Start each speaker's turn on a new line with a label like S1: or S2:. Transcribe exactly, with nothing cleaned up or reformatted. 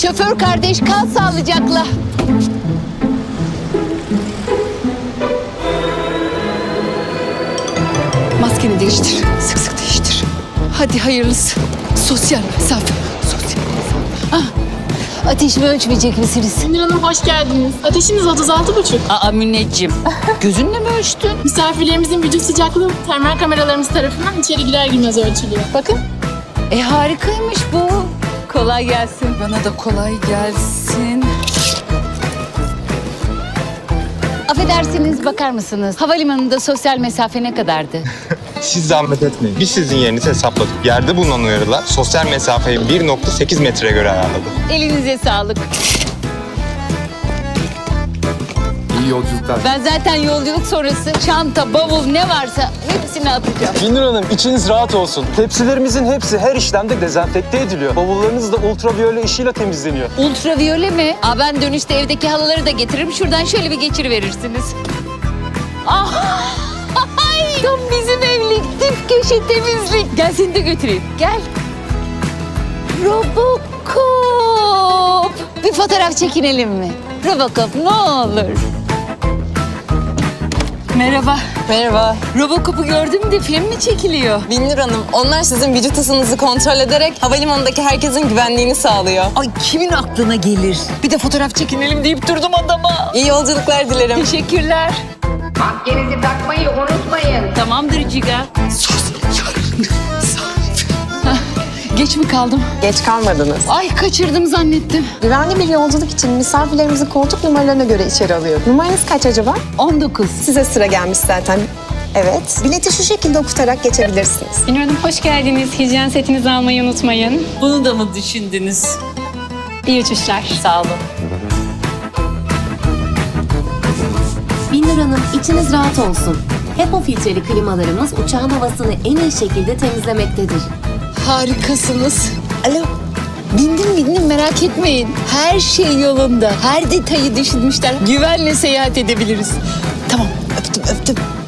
S1: Şoför kardeş kal sağlıcakla. Maskeni değiştir. Sık sık değiştir. Hadi hayırlısı. Sosyal mesafe. Sosyal mesafe. Ah, ateşimi ölçmeyecek misiniz?
S2: Münir Hanım hoş geldiniz. Ateşiniz otuz altı buçuk.
S1: Aa Mineciğim. Gözünle mi ölçtün?
S2: Misafirlerimizin vücut sıcaklığı termal kameralarımız tarafından içeri girer girmez ölçülüyor. Bakın.
S1: E harikaymış bu. Kolay gelsin. Bana da kolay gelsin. Affedersiniz, bakar mısınız? Havalimanında sosyal mesafe ne kadardı?
S3: Siz zahmet etmeyin. Biz sizin yerinizi hesapladık. Yerde bulunan uyarılar sosyal mesafeyi bir nokta sekiz metreye göre ayarladı.
S1: Elinize sağlık.
S4: İyi yolculuklar.
S1: Ben zaten yolculuk sonrası çanta, bavul ne varsa hepsini atacağım.
S5: Binur Hanım içiniz rahat olsun. Tepsilerimizin hepsi her işlemde dezenfekte ediliyor. Bavullarınız da ultraviyole ışığıyla temizleniyor.
S1: Ultraviyole mi? Aa, ben dönüşte evdeki halıları da getiririm. Şuradan şöyle bir geçiriverirsiniz. Ah! Ay, tam bizim evlilik. Dip köşe temizlik. Gel seni de götüreyim. Gel. Robocop. Bir fotoğraf çekinelim mi? Robocop ne olur. Merhaba.
S6: Merhaba.
S1: Robocop'u gördüm de film mi çekiliyor?
S6: Binur Hanım, onlar sizin vücut ısınızı kontrol ederek havalimanındaki herkesin güvenliğini sağlıyor.
S1: Ay kimin aklına gelir? Bir de fotoğraf çekinelim deyip durdum adama.
S6: İyi yolculuklar dilerim.
S1: Teşekkürler.
S7: Maskenizi takmayı unutmayın.
S1: Tamamdır Ciga. Hah, geç mi kaldım?
S8: Geç kalmadınız.
S1: Ay kaçırdım zannettim.
S8: Güvenli bir yolculuk için misafirlerimizi koltuk numaralarına göre içeri alıyorum. Numaranız kaç acaba?
S1: on dokuz.
S8: Size sıra gelmiş zaten. Evet. Bileti şu şekilde okutarak geçebilirsiniz.
S9: Binur Hanım hoş geldiniz. Hijyen setinizi almayı unutmayın.
S1: Bunu da mı düşündünüz?
S9: İyi uçuşlar.
S1: Sağ olun.
S10: Binur Hanım, içiniz rahat olsun. HEPA filtreli klimalarımız uçağın havasını en iyi şekilde temizlemektedir.
S1: Harikasınız. Alo. Bindim bindim merak etmeyin. Her şey yolunda. Her detayı düşünmüşler. Güvenle seyahat edebiliriz. Tamam öptüm öptüm.